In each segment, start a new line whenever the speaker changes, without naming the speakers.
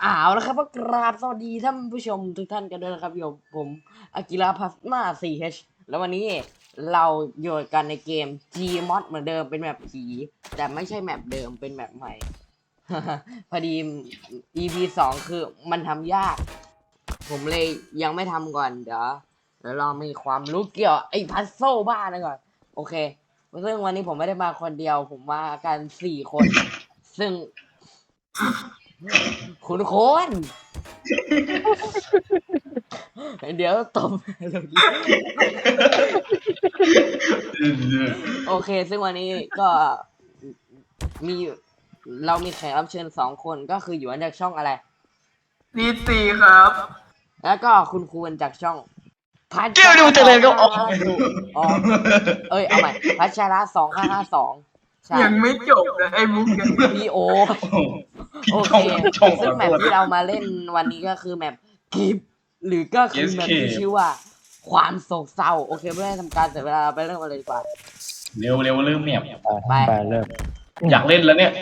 แล้วครับก็กราบสวัสดีท่านผู้ชมทุกท่านกันด้วยนะครับผมอากิระพัสมา 4H แล้ววันนี้เราอยู่กันในเกม Gmod เหมือนเดิมเป็นแมปผีแต่ไม่ใช่แมปเดิมเป็นแมปใหม่ พอดี EP 2คือมันทำยากผมเลยยังไม่ทำก่อนเดี๋ยวเรามีความรู้เกี่ยวไอ้พัซโซบ้านะก่อนโอเคซึ่งวันนี้ผมไม่ได้มาคนเดียวผมมากัน4 คนซึ่งคุณโคนเดี๋ยวตบโอเคซึ่งวันนี้ก็มีเรามีแขกรับเชิญ2 คนก็คืออยู่จากช่องอะไร
นีซีครับ
แล้วก็คุณครูจากช่องพัช
เกี่ยวดูเจริญก็ออก
เอาใหม่พัชระ2552ใช่
ยังไม่จบเลยไอ้มุกเนี่ย
พี่โอ
ผิด
โอ
ช่อง
เค
ผิดช่อง
ซึ่งแมปที่เรามาเล่นวันนี้ก็คือแมปกิฟหรือก็คือแมปที่ชื่อว่าความโศกเศร้าโอเคไม่ได้ทำการเสียเวลาไปเริ่มกันเลยดีกว่า
เร็วเร็วเริ่มเนี่ย
ไป
เริ่ม
อยากเล่นแล้วเนี่ย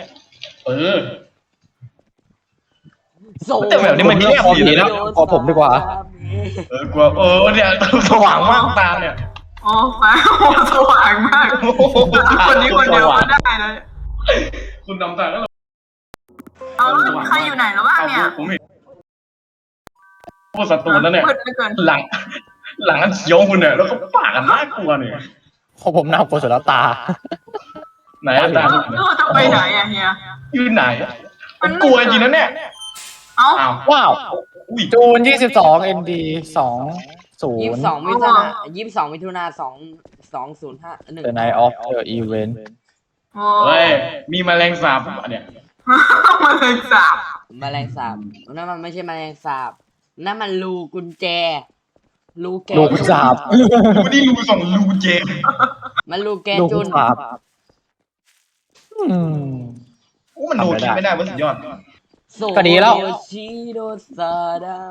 โศก
แต่แบบนี้มันเงียบดีนะ
ขอผมดีกว่า
กลัวเนี่ยสว่างมากตาเนี่ย
โอ้ฟ้าโอ้สว่างมากคนนี้คนเดียวก็ได้เลย
คุณนำทางก็
เอาแล้วใครอยู่ไหนแล้วบ้างเนี่ย
ผมเห็นพวกศัตรูนั่นเนี่ย
มืดเหลือเกิน
หลังอันเขียวคุณเนี่ยแล้วก็ปากกันน่ากลัวเนี่ย
ของผมน่ากลัวสุดแล้วตา
ไหนตา
แล้วเราจะไปไหนอะเฮีย
ยืนไหนมันกลัวจริงนะเนี่ย
เอ้า
อ้าว
ว้าว
อุ้ย
จูน22 MD 20
22 มิถุนา2051
The Night of the Event
โอ้
เฮ้ยมีแมลงสาบเนี่ย
มาเลยสาบ
แมลงสาบนั่นมันไม่ใช่แมลงสาบนั่นมันรูกุญแจรูแก
ลูกสาบ
ดูนี่รูสองรูเจ
มันรูแก
ลูก
จุน
สาบอืม
โอ้มันโนคิดไม่ได้ว่าสุดยอด
ก็ดีแล้ว
โซชิโดซาดาม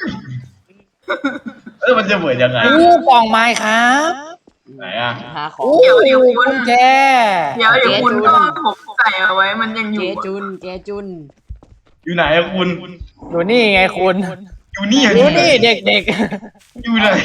มันจะเหมือนยังไง
อู้กล่องไม้ครับ
ไหนอ่ะ
หาของ
อู้กุญแจ
เดี๋ยวคุณก็ผมใส่เอาไว้มันยังอ
แก
ยู่
จุนแกจุน
อยู่ไหนอะคุณ
อยู่นี่ไงคุณ
อยู่นี่
อยู่นี่เด็ก
อยู่ไหน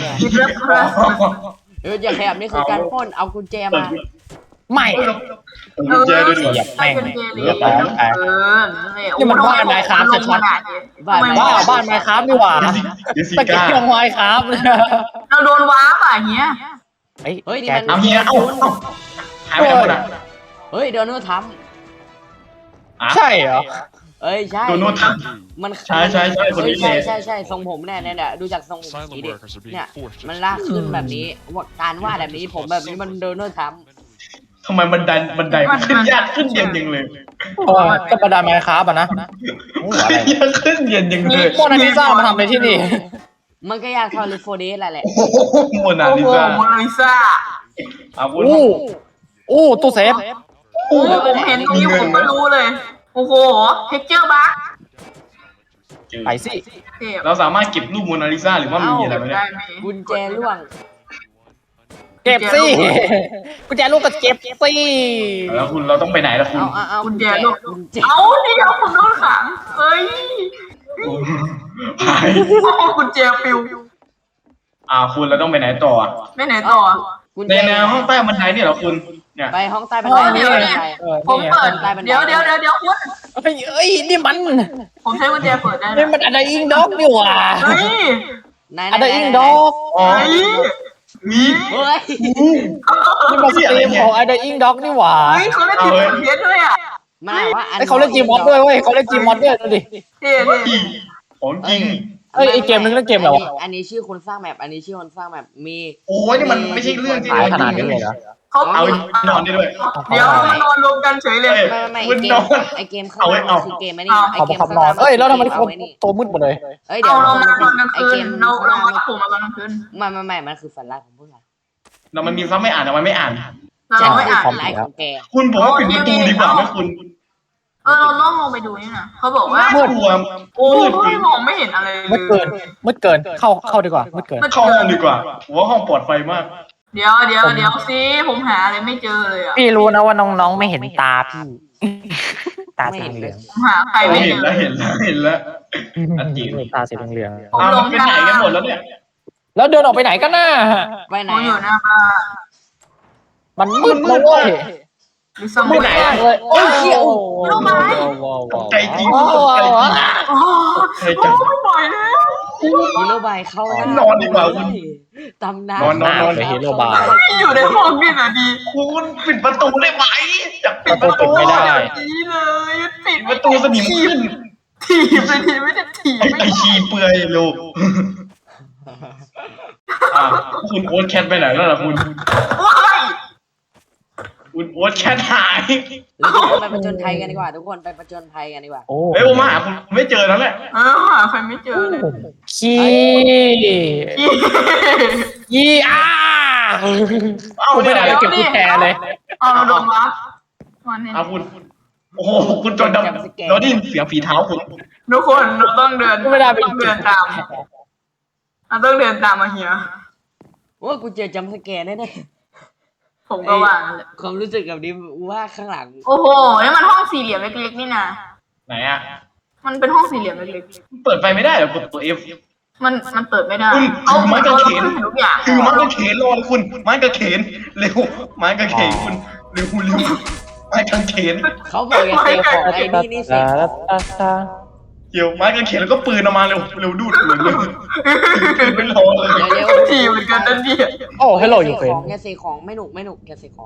อย่าขยับนี่คือการปล้นเอากุญแจมา
ๆ ไม่
กุญแจด้วยดิ
เหยียบแม่ง
เป็นเจ
เหยี
ลี
ยบแม่ง นี่มันบ้านไมค์ครับชัด
บ้าน
บ้าบ้านไม้ครับดีกว่า
เดี๋ยวสิ
ตะเกี
ก้าย
งไม้ครับ
เราโดนว้าป่ะเฮีย
เฮ้ยนี่
แก
มัน
เอาเฮียเอาหายไปไหนหมดอ่ะ
เฮ้ยโดนโน้ตท
ใช่เหรอ
ำเอ้ยใช่
โดนโน้ตท
มัน
ใช่คนนี้
ใช่
เลย
ใช่ทรงผมเนี่ยดูจากทรงผมสีดิเนี่ยมันลากขึ้นแบบนี้ว่าการวาดแบบนี้ผมแบบนี้มันโดนโน้ตท
ทำไมบันไดมันขึ้นยากขึ้นเย็นยังเลย
ก็ประดาไม้ครับอ่ะนะโอ้อะไร
ยากขึ้นเย็นยังเลย
โมนาลิซามาทำอะไรที่นี่
ำมันก็ยากเท่าลิโฟเดสแหละ
โอ้โหโมนา
โอ้
ลิ
โห
ซา
โมนาลิซา
อาวุธ
อู้ตู้เซฟ
โอ้ผมเห็นตรงนี้ผมก็รู้เลยโอ้โหเท็กเจอร์บั๊ก
ไปสิ
เทพ
เราสามารถเก็บรูปโมนาลิซาหรือว่ามีอะไรไหมเนี่
ได้
ย
ไหม
กุญแจล่วง
เก็บสิกุญแจลูกก็เก็บสิ
แล้วคุณเราต้องไปไหนล่ะคุณ
เอา
กุญแจลูก
กุญแจ
เอาเดี๋ยวผมโดนขังเฮ้ย
หาย
กุญแจปิว
คุณเราต้องไปไหนต่อ
ไม่ไหนต่อ
กุญ
ใน
แจ
แนวห้องใต้บันไดนี่เหรอคุณเนี่ย
ไปห้องใต้บันได
เดี๋ยวเนี่ย ผมเปิดเดี๋ยวคุณ
เอ้ยนี่มัน
ผมใช้กุญแจเปิดได้
นี่มันอะไรอิงด็อกนี่หว่า
เฮ้ย
อะไรอิงด็อก
อ๋อ
เฮ้ย
มี
เฮ้ย
นี่มันสตรีมของอะไรอิงด็อกนี่หว่า
เฮ้ยเขาเล่นทีมเพชรด้วยอ่ะ
มันว่าอัน
ไอเขาเล่นจีมอดด้วยเว้ยเขาเล่นจีมอดด้วยดูดิ
เท่
ของจริง
เอ้ยอีกเกมนึงนั่นเกมอะไรวะ
อันนี้ชื่อคนสร้างแมปอันนี้ชื่อคนสร้างแมปมี
โอ้ยนี่มันไม่ใช่เรื่องที่
ขายขนาดนี้เลยเหรอ
เขา
เอานอนได้ด้วย
เดี๋ยวมานอนรวมกันเฉยเลย
ไม่
คุณ
เก
น
ม
อน
ไอเกมข้างหน้ามันคือเกมไอ้นี่ไอ
เขา
เก
บั
ม
งคับ
ข้าง
น
ห
อ
น้าน
เอ้ยแล้วทำไมคน
ไอ้นี่
ตัวมืดหมดเลย
เอ้ยเดี๋ย
เอา
ว
เรามานอนกลาง
ไอ
คื
เก
น
ม
เรา
ข้างหน้า
รับผมมานอนกลางคืน
ไม่มันคือฝันร้ายของพวกเรา
เรามันมีซ้ำไม่อ่านแต่มันไม่อ่าน
เราไม่อ่าน
ฝันร้ายของแก
คุณผมว่าปิดประตูดีกว่าไหมคุณ
เราล่องลงไปดูนี่นะเขาบอกว่า
น่ากลัว
โอ้ยมองไม่เห็นอะไรเล
มืดเกิน
ย
มืดเกินเข้าดีกว่ามืดเกิน
เข้าห้องดีกว่าผมว่าห้องปลอดภัยมาก
เดี๋ยวสิผมหาอะไรไม่เจอเลยอ่ะ
พี่รู้นะว่าน้องๆไม่เห็นตาพี่ตาสีเหลือง
หาใครไม่
เห็น
เจ
แล้ว
อ
เห็นแล้วเห็นแล้วอันจริง
ตาสีเหลือง
ผมหล
มัน
ง
ไปไหนกันหมดแล้วเนี่ย
แล้วเดินออกไปไหนกันน่ะ
ไปไหน
ผมอยู่
อะ
หน้าบ้าน
มันมืดนะเว้ย
หรือส
มื
มุ
ด
ด
มากเลยโอ้ยเชี่ยว
ตกใจจริง
โอ้
ตกใจจริง
โอ้
เฮ้ยจัง
ไม่ไหวแล้ว
ฮีโร่บายเข้าหน้าน
อนดีกว่าคุณ
ตำนาน
นอน
ไปฮีโร่บาย
อยู่ในห้องนี่แหละดี
คุณปิดประตูได้ไหมอยากปิดประตู
ไม่ได้
ดีเลยปิด
ประตูสนิมขึ้น
ถีบเลยทีไม่ได้ถีบ
ไอชีเปื่อยลูกคุณโอ๊ตแคทไปไหนแล้วล่ะคุณ
ว้าย
คุณโอ๊ตแคทหาย
แล้วทุกคนไปประจนภัยกันดีกว่า ทุกคนไปประจนภัยกันดีกว่า
โอ้
เฮ้ยผมมาหาคุณไม่เจอแล้วแหละ
หาใครไม่เจอเลย
ขี้อ้ากูไม่ได้ไปเก็บกุญแจเลย
เอาโดนวับวันนี้
เอาคุณโอ้โหคุณจนดำเราได้ยินเสียงฝีเท้าคุณ
ทุกคนเราต้องเดิน
ไม่ได้ไป
ต้องเดินตามเราต้องเดินตามมาเฮีย
โอ้ยกูเจอจัมป์สแกร์แน่
ผมก็ว่า
ๆความรู้สึกแบบนี้ว่าข้างหลัง
โอ้โหนี่มันห้องสี่เหลี่ยมเล็กๆนี่นะ
ไหนอ่ะ
มันเป็นห้องสี่เหลี่ยมเล็ก
เปิดไฟไม่ได้เหรอกดตัว F
ๆมันเปิดไม่ได้
คุณ
เอา
ไม้กางเขน
ทุกอย่าง
คือไม้กางเขนรอเลยคุณไม้กางเขนเร็วไม้กางเขนคุณเร็วเร็วไม้กางเขน
เขาบอกอย่าเซฟของไอ้นี่นี่เซฟของ
เกี่ยวไม้กางเขนแล้วก็ปืนออกมาเร็วเร็วดูดเร็วเร็วไม่รอเลย
เร็ว
ทีเหมือนกันนั่นดิ
โอ้ฮัลโหลยูเฟน
อย่าเซฟของไม่หนุกไม่หนุกอย่าเซฟของ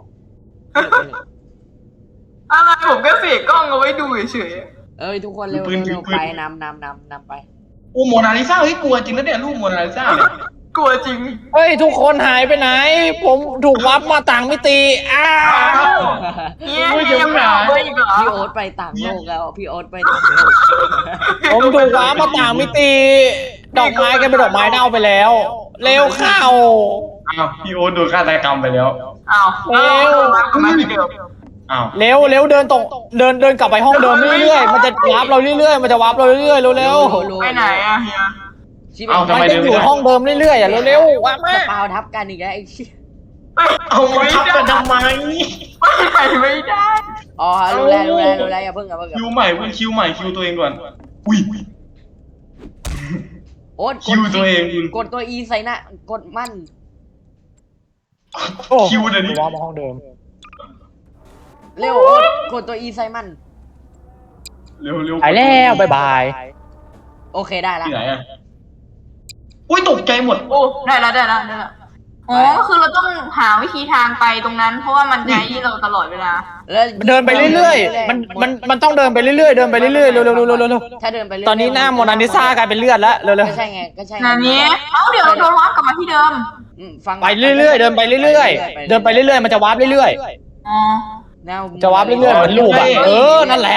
อะไรผมก็เสียกล้องเอาไว้ดูเฉย
เอ้ยทุกคนเร็วเร็วไปนำไป
โอ้โมนาลิซาเฮ้ยกลัวจริงนะเนี่ยรูปโมนาลิซาเนี่ย
ๆกลัวจริง
เฮ้ยทุกคนหายไปไหน ผมถูกวับมาต่างมิติอ้า
เนี่ยยังไม่เอาไปอีกเหรอ
พี่โอ๊ตไปต่างโลกแล้วพี่โอ๊ตไปต่างโลก
ผมถูกวับมาต่างมิติ ดอกไม้กันเป็นดอกไม้เน่าไปแล้ว เร็วเข้า
อ้าวพี่โอ๊ตโดนฆาตกรรมไปแล้ว
อ้าวแล้วกลับมาที่เดิม
อ้าว
เร็วเร็วเดินตรงเดินกลับไปห้องเดิมเรื่อยๆมันจะวับเราเรื่อยๆมันจะวับเราเรื่อยๆเร็ว
ไปไหนอะเฮีย
ๆมันจะอยู่ห้องเดิมเรื่อยๆอ่ะเร็วๆวับ
ส
มา
ปาวทับกันอีกแล้วไอ้ชิ
เอามาทับกันทำไม
ไปไหนไม่ได้
อ๋อรู้แล้วอย่าเพิ่ง
คิวใหม่คุณคิวใหม่คิวตัวเองก่อนอุ้ย
โอ๊ต
คิวตัวเองคุณ
กดตัว E ใส่หน้ากดมั่น
คิวเดี๋ยวนี้
วับมาห้องเดิม
เร็วโอ๊ตกดตัว E ใส่มั่น
เร็วเร็ว
ไปแล้วบ๊ายบาย
โอเคได้ละ
ที่ไหนอ่ะอุ้ยตกใจหมด
โอ้ได้แล้วอ๋อก็คือเราต้องหาวิธีทางไปตรงนั้น เพราะว่ามันไกด์เราตลอดเวลา
แล้ว
เดินไปเรื่อยๆมันต้องเดินไปเรื่อยๆเดินไปเรื่อยๆเร็วๆ
ถ้าเดินไป
ๆตอนนี้หน้าโมนาลิซากลายเป็นเลือดแล้วเร็ว
ก็ใช่ไง
นานี้เดี๋ยวโดนวับกลับมาที่เดิม
ฟัง
ๆไปเรื่อยๆเดินไปเรื่อยๆเดินไปเรื่อยๆมันจะวับเรื่อย
อ๋อ
ๆจะวับเรื่อยๆเหมือนลูกอ่ะนั่นแหละ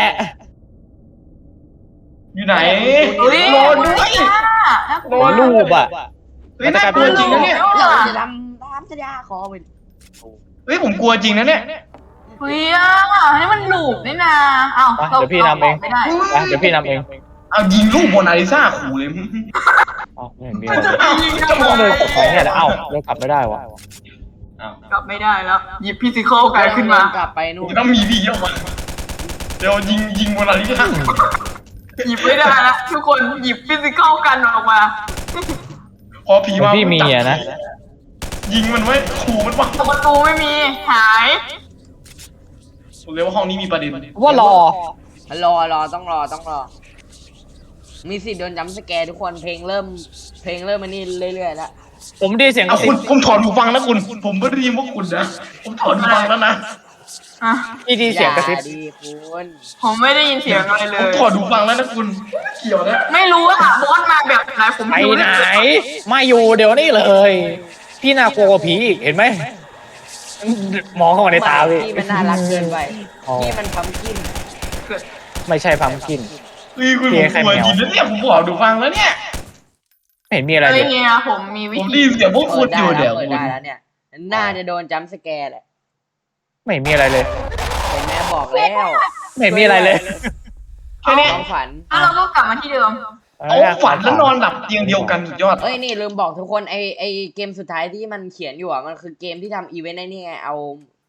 อยู่ไหน
เฮ้ย
โดนด้วย
เหมือนลูกอ่ะ
เฮ้ยน่ากลัวจริงนะเนี่ย
เราจะทำตามสัญญาขอไป
เฮ้ยผมกลัวจริงนะเนี่ย
เฮ้ยนี่มันหลูบนี่นะเอ้า
เดี๋ยวพี่นำเอง
ไม่ได้
เดี๋ยวพี่นำเอง
เอายิงลูกโมนาลิซาขู่เลย
อ๋อไม่เห็นมีอะไรต้องเดินกลับไปเนี่ยแหละเอ้าเดินกลับไม่ได้วะ
กลับไม่ได้แล้วหยิบฟิสิกอลกันขึ้นมา
กลับไปนู่น
จะต้องมีพี่ออกมาเดี๋ยวยิงโมนาลิซา
หยิบไม่ได้ละทุกคนหยิบฟิสิกอลกันออกมา
พอผีมา
พี่มีอ่ะนะ
ยิงมันไว้ขู่มันว่า
ประตูไม่มีหาย
เร็วห้องนี้มีประเด็น
ว่ารอ
ต้องรอ มีสิทธิ์โดนจัมป์สแกร์ทุกคนเพลงเริ่มมานี่เรื่อยๆแล้ว
ผมได้เสียงก
เอา
ระซิ
คุ
บ
ณผมถอนหูฟังนะคุณผมไม่ได้ยินว่าคุณนะผมถอนหูฟังแล้วนะ
อ่ะ
พี่ดีเสียงกระซิบ
ดีคุณ
ผมไม่ได้ยินเสียงอะไรเล
ผม
ย
ถอนหูฟังแล้วนะคุณเกี่ยวนะ
ไม่รู้ว่าบอสมาแบบไหนผม
ไป
รู้
ไหน
เลย
มาอยู่เดี๋ยวนี้เลย พี่น่ากลัวกว่าผีอีกเห็นไหมมองเข้ามาในตาพี่
พี่มันน่ารักเกินไป
อ๋อ
พี่มันพัมกิน
ไม่ใช่พัมกิน
เฮ้ยคุณผมกลัวจริงนะเนี่ยผมถอนหูฟังแล้วเนี่ย
ไม่เห็นมีอะไร
เฮ้
เลย ย
เฮียผมมีวิ
ผมได้
ธี
ยินเสียงพวกคุณอยู่เดี๋ยว
เปิ
คุ
ด
ณ
ได้แล้วเนี่ยน่าจะโดนจัมป์สแกร์แหละ
ไม่เห็นมีอะไรเลย
เห็นแม่บอกแล้ว
ไม่เห็นมีอะไรเลย
แค่นี้
ความฝัน
แล้วเราก็กลับมาที่เดิม
เอาฝันแล้วนอนหลับเตียงเดียวกันสุดยอด
เอ้ยนี่ลืมบอกทุกคนไอเกมสุดท้ายที่มันเขียนอยู่อ่ะมันคือเกมที่ทำอีเวนต์ไอ้นี่ไงเอา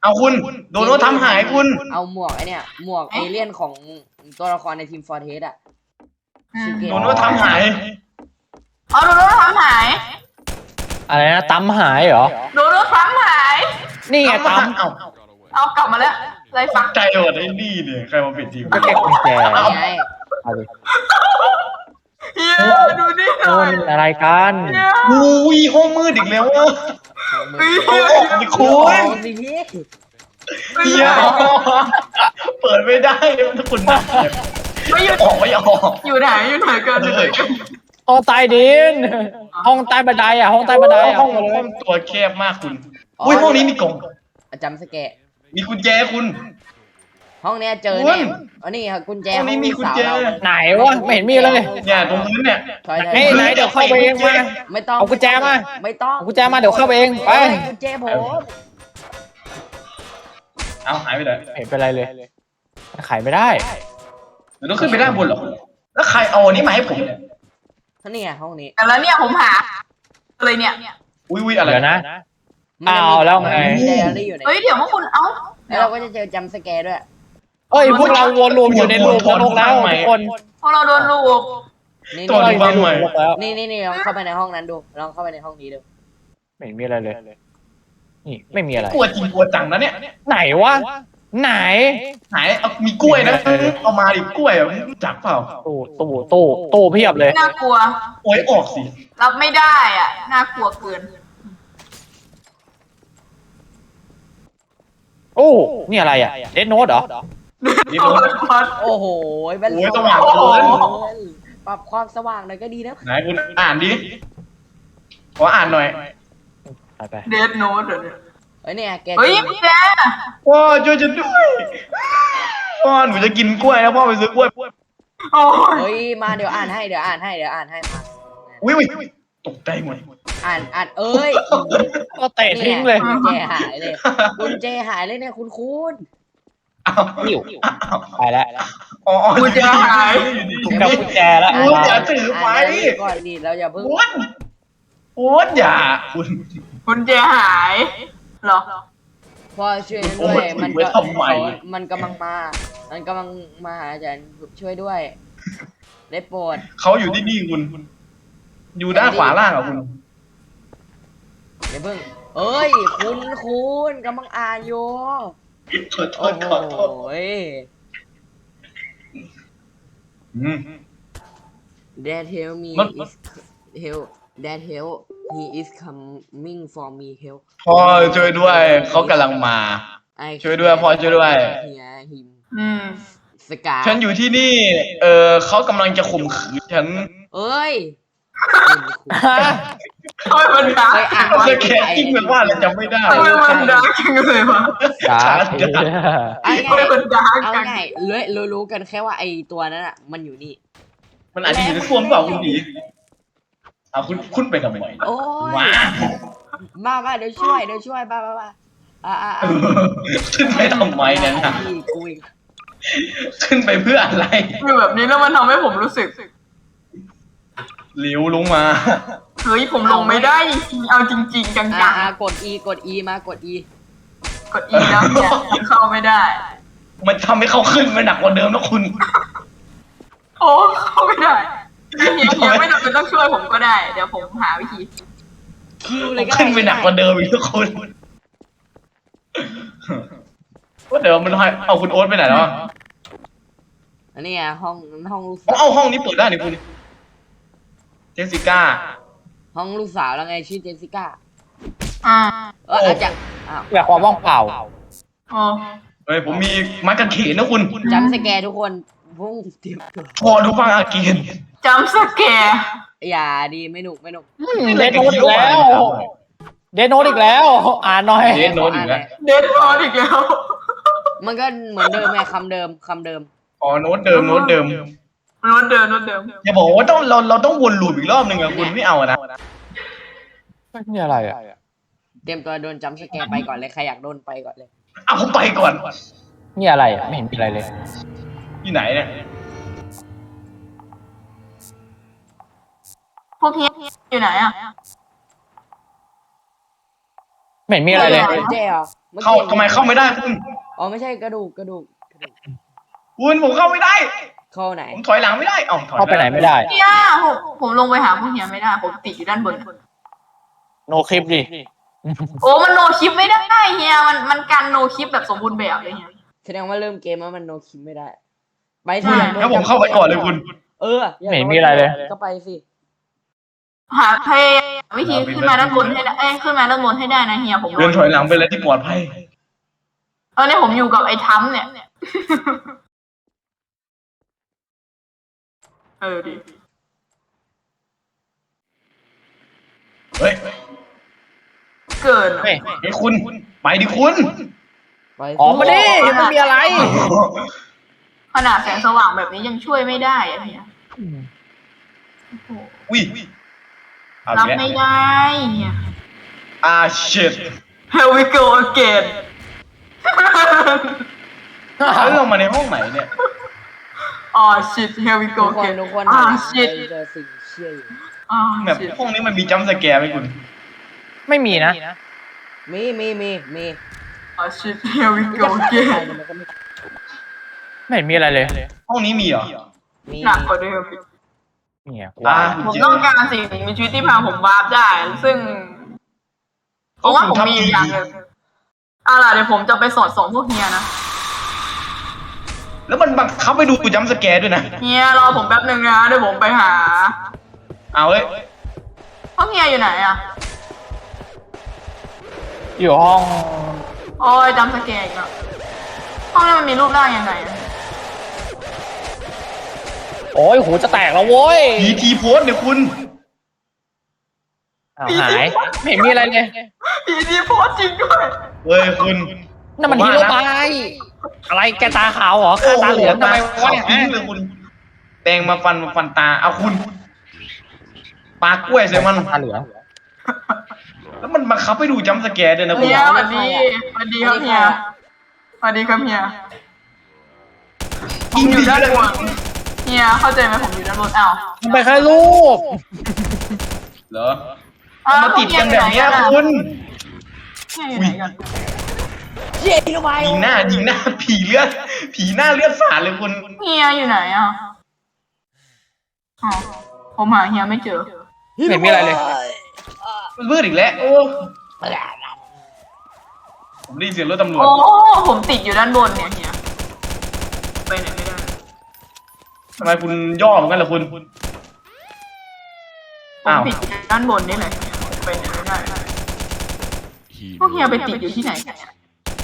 เอาคุณโดนว่าทำหายคุณ
เอาหมวกไอเนี่ยหมวกเอเลี่ยนของตัวละครในทีมฟอร์เทสอะ ชื่อเกม
โดนว่าทำหาย
เอาโดนรถทำหาย
อะไรนะตั้มหายเหรอ
โดนรถทำหาย
นี่ไงตั้ม
เอา
เอากลับมาแล้วไรฟัง
ใจหมดไอ้นี่เนี่ยใครมาเป็นทีม
ก็แค่กุญแจ
นี่ไง
เอาดิ
เฮียดูนี่ห
โอ้
น่อย
ยอะไรกัน
เฮีย
อุ้ยห้องมืดอีกแล้วอะ
ของมือ
เอาออกดิคุ
ข
ณ
องสิพี่
เฮียเปิดไม่ได้ถ้าคุณนัก
ไม่หยุด
ออกไม่ออก
อยู่ไหนอยู่ไหนกันอยู่ไหนกัน
ห้องใต้ดิน ห้องใต้บันไดอ่ะ ห้องใต้บันไดอ่ะ
ห้องตัวแคบมากคุณอุ้ยห้องนี้มีกล่อง
จำสแกะ
มีกุญแจคุณ
ห้องเนี้ยเจอ
คุ
แน่
ณ
อันนี้ครับกุญแจ
ห้องนี้มีกุญแจ
ห้องลูกสาวเรา
ไหนวะไม่เห็นมีเลย
เนี่ยตรงพื้นเนี่ย
ถอย
ไหนไหนเดี๋ยวเข้าไปเองมา
ไม่ต้อง
เอากุญแจมา
ไม่ต้อง
เอากุญแจมาเดี๋ยวเข้าไปเองไป
กุญแจผม
เอาหายไปไหน
เห็นเป็นไรเลยมันขายไม่ได้
เดี๋ยวต้องขึ้นไปด้านบนเหรอแล้วใครเอาอันนี้มาให้ผมเนี่ย
นี่ไงห้องนี้
แต่แล้วเนี่ยผมหาเลยเนี่ย
อุ้ยอะไร
เดี๋ยวนะ
มันจะมี
เอาแล้วไง
มีไดอารี่อยู่ใน
เฮ้ยเดี๋ยวพวกคุณเอ้า
แล้วเราก็จะเจอจำสแกร์ด้วย
เอ้ยพวกเราวนรวมอยู่ในรูปนรกแล้วทุกคน
พวกเราโดนลูก
นี่
ตัว
เรา
ดู
อยู่
บ้าง
ในรู
ไหม
ปนรกแล้ว
นี่ลองเข้าไปในห้องนั้นดูลองเข้าไปในห้องนี้ดู
ไม่เห็นมีอะไรเลย นี่ไม่มีอะไร
กลัวจริงกลัวจังนะเนี่ย
ไหนวะ ไหน
หายเอามีกล้วยนะเอามาดิกล้วยอ่ะรู้จักเปล่า
ตู้เพียบเลย
น่ากลัว
โอ้ยออกสิ
รับไม่ได้อ่ะน่ากลัวเกิน
โอ้นี่อะไรอ่ะเดนโนดเหรอ
นี่ผม
โอ้โหเป็น
โอ้ยสว่างเกิน
ปรับความสว่างหน่อยก็ดีนะ
ไหนคุณอ่านดิขออ่านหน่อย
ไป
เดดโน้ตเดี๋ยว
เฮ้ยเนี่ยแก
เฮ้ยแก
พ่อช่วยฉันด้วยพ่อหนูจะกินกล้วยแล้วพ่อไปซื้อกล้วย
โอ้ย
เฮ้ยมาเดี๋ยวอ่านให้มา
อุ้ยตกใจหมด
อ่านเอ้ย
ก็เตะทิ้งเลย
กุญแจหายเลยเนี่ยคุณ
อ้าว
หิวไปแล้ว
อ๋อ
กูจะหาย
ถูกกับกุญแจแล้ว
โอ้ยอย่าถือไป
อ่านแล้วก่อนดิเราอย่าเพิ่ง
โอ้ยอย่าคุณ
คุณเจหายเหรอ
พ่อช่วยด้วย
โอ้ย
มัน
ไว้
ก็
ทำไม
มันกำลังมาหาอาจารย์ช่วยด้วย ได้โปรด
เขาอยู่ที่นี่คุณ อยู่ด้านขวาล่างอ่ะคุณ
อย่าเพิ่งเอ้ยคุณกำลังอ่านอยู่
ขอโท
โอ้
ษ
โห
ขอโทษ อืม
Dad help me
มัน
is help Dad help he is coming for me help
พ่อช่วยด้วย เขากำลังมา
I
ช่วยด้วยพ่อช่วยด้วย
hear him
อืม
สกา
ฉันอยู่ที่นี่ เขากำลังจะข่มขืนฉัน
เอ้ย
ทำไมมันดาร์
เคย
ก
อ่าน
สแกนจิ้งเป็นว่าอะไรจำไม่ได้
ทำไมมันดาร์กจังเลยวะ
จ้า
เอา
ทำไม
ง่าย
มันดาร์ก
เอา
จัง
ง่ายรู้กันแค่ว่าไอตัวนั้นอ่ะมันอยู่นี่
มันอาจจะอยู่ในส้วมเปล่าคุณผีเอาคุณไปทำไม
โอ้ย
ว้า
มาเดี๋ยวช่วยมาอ่า
ขึ้นไปทำไมเนี่ยนะ
กูอีก
ขึ้นไปเพื่ออะไร
คือแบบนี้แล้วมันทำให้ผมรู้สึก
หลิวลงมา
เฮ้ยผมลงไม่ได้จริงๆเอาจริงๆจัง
กด E มากด E
ๆกด E แล้วเนี่ยยังเข้าไม่ได้
มันทำให้เขาขึ้นไปหนักกว่าเดิมนะคุณ
โอ้เข้าไม่ได้เฮียไม่จำเป็นต้องช่วยผมก็ได้ เดี๋ยวผมหาวิธี
คิวเลยก็
ขึ้นไปหนักกว่าเดิมอีกทุกคนว่าเดี๋ยวมันให้เอาคุณโอ๊ตไปไหนแล้วอะ
อันนี้ห้องลูก
เอาห้องนี้เปิดได้นี่คุณเจสสิก้า
ห้องลูกสาวแล้วไงชื่อเจสสิก้า
อ่า
อาจจะอ้าว
อยากความว่างเปล่า
อ๋อ
เฮ้ยผมมีไม้กางเขนนะคุณ
จำสแกร์ทุกคนพุ่งเตรียมตัว
พอดูฟังอาเกียน
จำสแกร์
อย่าดีไม่หนุก
เดนโนดอีกแล้ว เดนโนดอีกแล้ว อ่านหน่อย
เดนโนดอีกแล้ว
เดดรอดอีกแล้ว
มันก็เหมือนเดิมไงคำเดิม
อ๋อโน้ตเดิม
โน้ตเดิมโน้ตเดิม
อย่าบอกว่าเราต้องวนลูปอีกรอบหนึ่งอะคุณไม่เอาอะนะ
นี่อะไรอ่ะ
เตรียมตัวโดนจำสแกร์ไปก่อนเลยใครอยากโดนไปก่อนเลย
เอาผมไปก่อน
นี่อะไรอ่ะ ไม่เห็นมีอะไรเลย
ที่ไหนเนี่ย
พวกเฮียอยู่ไหนอ่ะ
ไม่เห็นมีอะไรเลย
เจ๊เหรอ
เข้าทำไมเข้าไม่ได้คุณ
อ๋อไม่ใช่กระดูก
คุณผมเข้าไม่ได้
เข้าไหน
ผมถอยหลังไม่ได้เอ้าถอย
เข้าไปไหนไม่ได้
เฮียผมลงไปหาพวกเฮียไม่ได้ผมติดอยู่ด้านบน
โนคลิปดิ
โอ้มันโนคลิปไม่ได้เฮียมันกันโนคลิปแบบสมบูรณ์แบบเลยเฮีย
แสดงว่าเริ่มเกมแล้วมันโนคิมไม่ได้ ไป
ใช่
ที่
แล้วผมเข้าไปก่อนเลยคุณ
เออ
ไม่เห็นมีอะไรเลย
ก็ไปสิ
หาเพย์วิธีขึ้นมาด้านบนให้ได้ขึ้นมาด้านบนให้ได้นะเฮียผม
เดินถอยหลังไปแล้วที่ปลอดภัย
ตอนนี้ผมอยู่กับไอ้ทั้มเนี่ยดิ
เฮ้ย
เกิน
เฮ้ย
ไอ้คุณไปดิคุณ
ไปสิ
ออกมาดิไม่มีอะไร
ขนาดแสงสว่างแบบนี้ยังช่วยไม่ได้อะเฮีย
อุ้ยเอา
รับ
อีก
ไม่
แล้ว
ได้เฮีย
shit
Here we go again
แล้วเรามาในห้องไหนเนี่ย
shit here we
ทุ
go
กคน
again
ทุกคน
shit
เจอสิ่งเชี่ยอยู่
แบบ
shit
ห้องนี้มันมีจัมป์สแกร์ไหมคุณ
ไม่มีนะ
มี
shit here we
จะ
go
ฆ่าใคร
again
เนี่ยมันก็ไม่
ไม่เห็นมีอะไรเลย
ห้องนี้มีเหรอ
มี
หนักกว่าเดิม
เนี่ย
ผมต้องการสิ่งมีชีวิตที่พาผมวาร์ปได้ ซึ่งเพราะว่าผมมีอย่างหนึ่งล่ะเดี๋ยวผมจะไปสอดส่องพวกเฮียนะ
แล้วมันบังคับไปดูจัมป์สแกร์ด้วยนะ
เฮียรอผมแป๊บนึงนะเดี๋ยวผมไปหา
เอาเว้ย
พวกเฮียอยู่ไหนอ่ะ
อยู่ห้อง
โอ้ยจำสแกนอีกแล้วห้องนี้มันมีรูปร่างยังไงอะ
โอ้ยหูจะแตกแล้วโว้ย
พีทีโพสเนี่ยคุณ
อ้าวหายไม่เห็นมีอะไรเลย
ผีดีโพสจริงด้วย
เฮ้ยคุณ
นั่นมันฮีโร่บายอะไรแกตาขาวเหรอข้าตาเหลืองทำไมวะ
ทิ้ง
เนี่ย
เลยคุณแตงมาฟันตาเอาคุณปลากล้วยใส่มัน
ตาเหลือง
แล้วมันบังคับไปดูจัมป์สแกร์ด้วยนะคุณ
เฮียสวัสดีสวัสดีครับเฮียสวัสดีครับเฮียผมอยู่ด้านบนเฮียเข้าใจไหมผมอยู่ด้านบนอ้าว
มันไปแค่รูป
เหรอมาติดกันแบบเนี้ยคุณ
เฮียอยู่ไหนกัน
เชี่ยลงไป
ยิงหน้าผีเลือดผีหน้าเลือดสาดเลยคุณ
เฮียอยู่ไหนอ่ะอ๋อผมหาเฮียไม่เจอ
ไม่เห็นมีอะไรเลย
มันมืดอีกแล้วโอ้ผมได้ยินเสียงรถตำรวจ
โอ้ผมติดอยู่ด้านบนเนี่ยเฮียไปไหนไม่ได้
ทำไมคุณย่อเหมือนกันล่ะคุณ
ผม
อ้าว
ติดอยู่ด้านบนนี่แหละไปไหนไม่ได้พวกเฮียไปติดอยู่ที่ไหนกันเนี่ย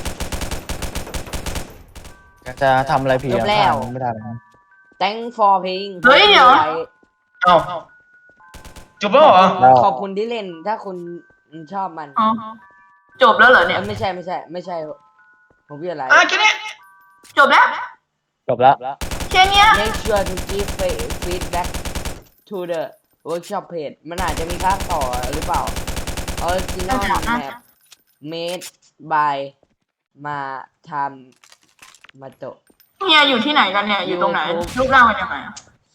จะทำอะไรผิด
จบแล้ว
ไม่ได้นะ
thank for playing
เฮ้ยเดี๋ยว
เอ้าจบแล้วเหรอ
ขอบคุณที่เล่นถ้าคุณชอบมัน
อ๋อจบแล้วเหรอเนี่ย
ไม่ใช่ผมพี่อะไร
แค่นี้
จบแล้ว
จบแล้ว
แค่เนี้ย
make sure to give feedback to the workshop page มันอาจจะมีภาคต่อหรือเปล่า original map made by มาทำมาโตะ
เฮียอยู่ที่ไหนกันเนี่ย อยู่ตรงไหน รูปร่างเป็นยังไงอะ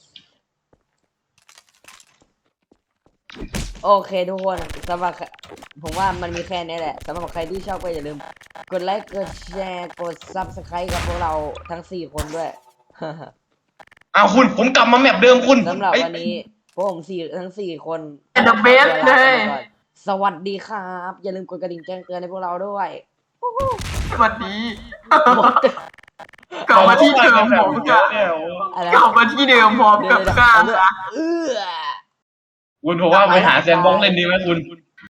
โอเคทุกคนสำหรับผมว่ามันมีแค่นี้แหละสำหรับใครที่ชอบก็อย่าลืม กดไลค์กดแชร์กด subscribe กับพวกเราทั้ง 4 คนด้วย
อ้าวคุณผมกลับมาแมปเดิมคุณ
สำหรับ
เอ้ย
วันนี้พวกผมทั้ง 4 คน
เป็น the best เลย
สวัสดีครับ อย่าลืมกดกระดิ่งแจ้งเตือนให้พวกเราด้วย
สวัสดี กลับมาที่เดิมผม
เย
กั
อะ
บ
เนี่ยโอ้
อะไร
กลับมาที่เดิมพร้อมกับข้าว
เอื้อ
คุณผมว่าไปหาแซนบ็อกซ์เล่นดีไหมคุณ